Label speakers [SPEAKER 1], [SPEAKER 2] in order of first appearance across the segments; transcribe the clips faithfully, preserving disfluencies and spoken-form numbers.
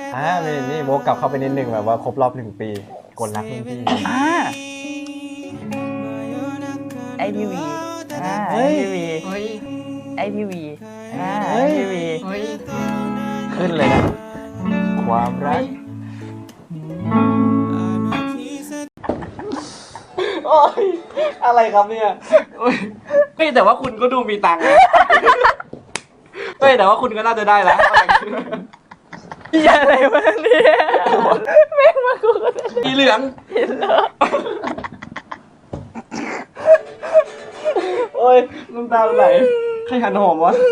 [SPEAKER 1] อ่ามีนี่โบกกลับเข้าไปนิดนึงแบบว่าครบรอบหนึ่งปีกดรักรุ่นพี่
[SPEAKER 2] อ่าไอพีวีอ่าไอพีวีไอพีวีอ่าไอพีวี
[SPEAKER 1] ขึ้นเลยนะความรักโอ้ยอะไรครับเนี่ยเฮ้ยแต่ว่าคุณก็ดูมีตังค์เฮ้ยแต่ว่าคุณก็น่าจะได้แล้ว
[SPEAKER 2] อย่าอะไรวะเนี่ยแม่งมากูก็ได้
[SPEAKER 1] สีเหลือง
[SPEAKER 2] เห็นแล้ว
[SPEAKER 1] โอ้ยน้ำตาไหลใครหันหอมวะ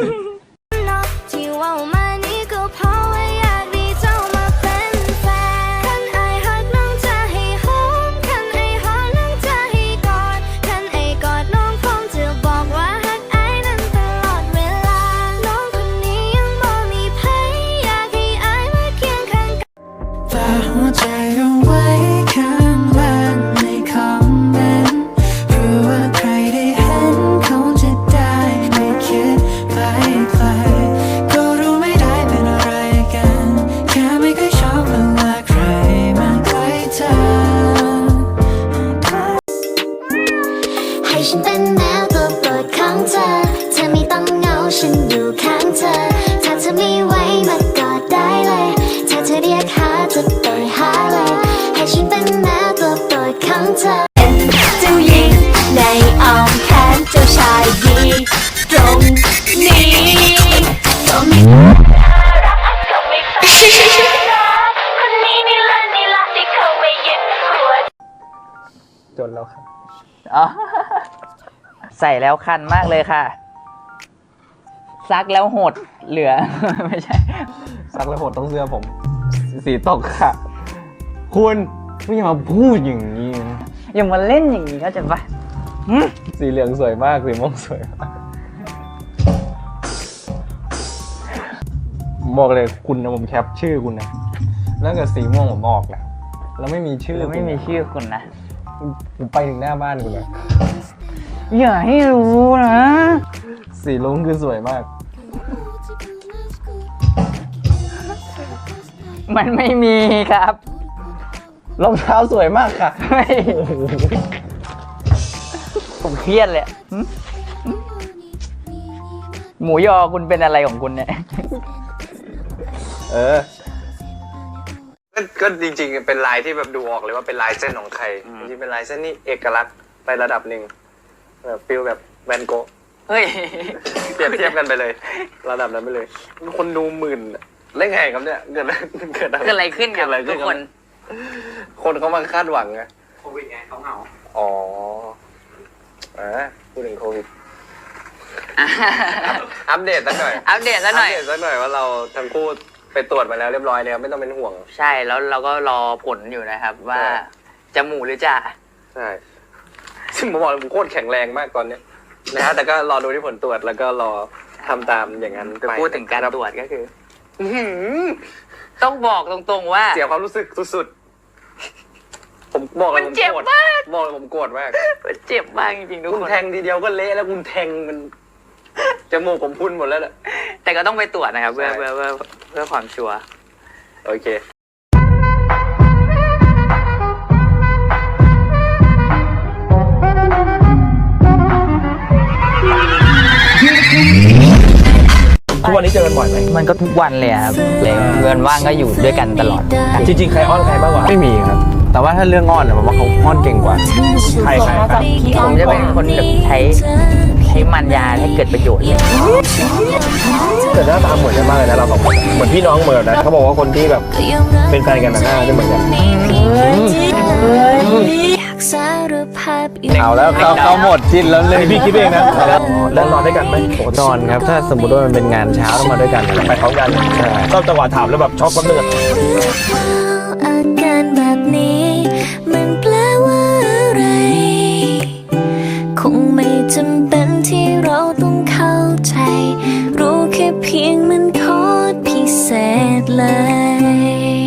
[SPEAKER 3] ฉันเป็นแมวตัวโปรดของเธอเธอไม่ต้องเหงาฉันอยู่ข้างเธอถ้าเธอไม่ไหวมากอดได้เลยถ้าเธอเรียกหาจะไปหาเลยให้ฉันเป็นแมวตัวโปรดของเธอเป็นเจ้าหญิงในอ้อมแขนเจ้าชายดีตรงนี้ก็ไม่รักก็ไม่ฟังคนนี้นี่ละนี่ละที่เขาไม่ยึดหัว
[SPEAKER 1] จนแล้วครับ
[SPEAKER 2] อ๋อใส่แล้วคันมากเลยค่ะซักแล้วหดเหลือไม่ใช่
[SPEAKER 1] ซักแล้วหดต้องเสื้อผมสีตกค่ะคุณไม่อย่ามาพูดอย่างนี้นะ
[SPEAKER 2] อย่ามาเล่นอย่างนี้เข้าใจปะ
[SPEAKER 1] สีเหลืองสวยมากสีม่วงสวยมากบอกเลยคุณนะผมแคปชื่อคุณนะแล้วกับสีม่วงผมออกแล้วแล้วไม่มีชื่อ
[SPEAKER 2] ไม่มีชื่อคุณนะ
[SPEAKER 1] ผมไปถึงหน้าบ้านคุณเลย
[SPEAKER 2] อย่าให้รู้นะ
[SPEAKER 1] สีลุ้งคือสวยมาก
[SPEAKER 2] มันไม่มีครับ
[SPEAKER 1] รองเท้าสวยมากค่ะ
[SPEAKER 2] ผมเครียดเลยหมูยอคุณเป็นอะไรของคุณเนี่ย
[SPEAKER 1] เออก็จริงๆเป็นลายที่แบบดูออกเลยว่าเป็นลายเส้นของใครจริงๆเป็นลายเส้นนี่เอกลักษณ์ไประดับหนึ่งแบบฟิลแบบแวนโกะ
[SPEAKER 2] เฮ้ย
[SPEAKER 1] เปรียบเทียบกันไปเลยระดับนั้นไปเลยคนดูหมื่นเล่นไงครับเนี่ยเกิด
[SPEAKER 2] เกิดอะไรขึ้นกับทุกคน
[SPEAKER 1] คนเขามาคาดหวังไง
[SPEAKER 4] โควิดไงเขาเหงา
[SPEAKER 1] อ๋ออ่าพูดถึงโควิดอัปเดตสักหน่อย
[SPEAKER 2] อัปเดตสักหน่อย
[SPEAKER 1] อัปเดตสักหน่อยว่าเราทั้งคู่ไปตรวจมาแล้วเรียบร้อยแล้วไม่ต้องเป็นห่วง
[SPEAKER 2] ใช่แล้วเราก็รอผลอยู่นะครับว่าจะหมูหรือจ่า
[SPEAKER 1] ใช่ซึ่งผมบอกเลยผมโคตรแข็งแรงมากตอนนี้นะฮะแต่ก็รอดูที่ผลตรวจแล้วก็รอทำตามอย่างนั้น
[SPEAKER 2] ไปพูดถึงการตรวจก็คือต้องบอกตรงๆว่า
[SPEAKER 1] เสียความรู้สึกสุดๆผมบอกเลยผมโกรธบอกเลยผมโกรธมาก
[SPEAKER 2] มันเจ็บมากจริงๆทุกคน
[SPEAKER 1] คุณแทงทีเดียวก็เละแล้วคุณแทงมันจมูกผมพุ่นหมดแล้วแหละ
[SPEAKER 2] แต่ก็ต้องไปตรวจนะครับเพื่อเพื่อเพื่อเพื่อความชัวร์
[SPEAKER 1] โอเคทุกวันนี้เจอกันบ่อยไหม
[SPEAKER 2] มันก็ทุกวันเลยครับเลยเงินว่างก็อยู่ด้วยกันตลอด
[SPEAKER 1] จริงๆใครอ้อนใครมากกว่าไม่มีครับแต่ว่าถ้าเรื่องอ้อนเนี่ยผมว่าเขาอ้อนเก่งกว่าใครใครครับ
[SPEAKER 2] ผมจะเป็นคนแบบใช้ใช้มันยาให้เกิดประโยชน์เลย
[SPEAKER 1] แต่หน้าตาเหมือนกันมากเลยนะเราสองคนเหมือนพี่น้องเหมือนนะเขาบอกว่าคนที่แบบเป็นแฟนกันหน้าจะเหมือนกันเอาแล้วเขาเขาหมดจิ้นแล้วเลยพี่คิดเองนะแล้วนอนด้วยกันไหมนอนครับถ้าสมมติว่ามันเป็นงานเช้าต้องมาด้วยกันไปพร้อมกันชอบจังหวะถามแล้วแบบช็อกคนเดือด
[SPEAKER 3] อาการแบบนี้มันแปลว่าอะไรคงไม่จำเป็นที่เราต้องเข้าใจรู้แค่เพียงมันโคตรพิเศษเลย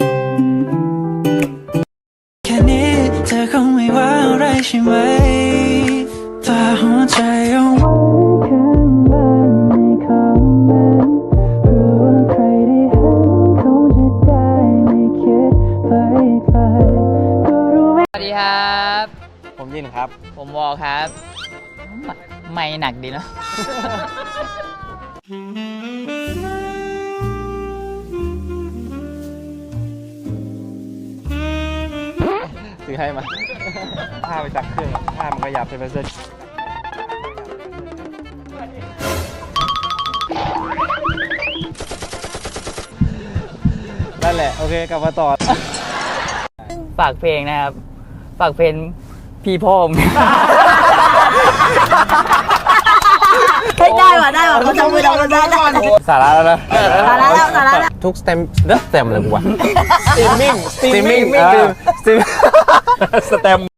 [SPEAKER 3] แค่นี้เธอคงไม่ว่าอะไรใช่ไหมฝากหัวใจเอาไว้ข้างล่างในคอมเมนต์รู้ว่าใครได้เห็นคงจะ
[SPEAKER 4] ยินครับ
[SPEAKER 2] ผมวอลครับ ไม่หนักดีเนอะ
[SPEAKER 4] ซื้อให้มาผ้าไปจักเครื่องผ้ามันขยับเป็นเส้นนั่นแหละ โอเค กลับมาต่อ
[SPEAKER 2] ฝากเพลงนะครับ ฝากเพลงพี่พ่อม
[SPEAKER 5] เฮ้ยได้ว่ะได้ว่ะเขาจะมือเราได้ได้
[SPEAKER 4] สาระแล้วนะ
[SPEAKER 5] สาระแล้วสาระแล้ว
[SPEAKER 4] ทุกสเต็มเลือกสเต็มเลยกูวะ
[SPEAKER 1] สตรีมมิ่ง
[SPEAKER 4] สตรีมมิ่งสตรีมมิ่งสเต็ม